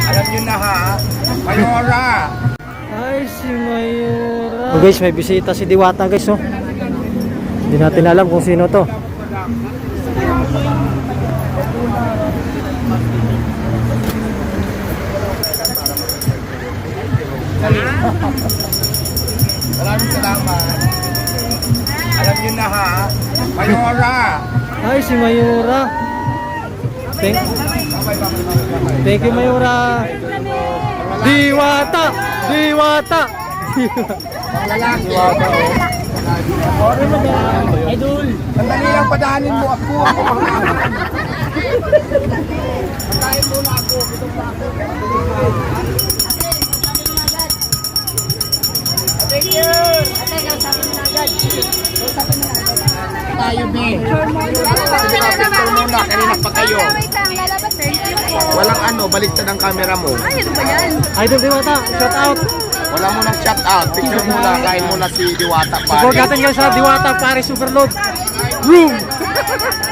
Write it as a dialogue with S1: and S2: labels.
S1: Alam nyo na ha, Mayora.
S2: Ay, si Mayora. Oh, guys, may bisita si Diwata guys, oh. Hindi natin alam kung sino to.
S1: Maraming salamat. Alam nyo na ha, Mayora.
S2: Ay, si Mayora. Thank you, Mayora. Diwata! Diwata!
S1: Lalaki. Idol. Sandali lang, padahanin mo ako. Padahanin muna ako. Gutom pa ako. Thank you.
S3: Ate, kausapin mo na agad. Kausapin mo na agad.
S1: Tayo, B. Sige na, picture muna. Kanina pa kayo.
S3: Wait lang, lalabas. Thank you po.
S1: Walang ano, baliktad ang camera mo.
S3: Ay, ano ba yan?
S2: Idol Diwata, shout out.
S1: Wala mo nang shout out. Picture muna. Kain muna si Diwata pa.
S2: Support natin guys sa Diwata Paris Overload Room.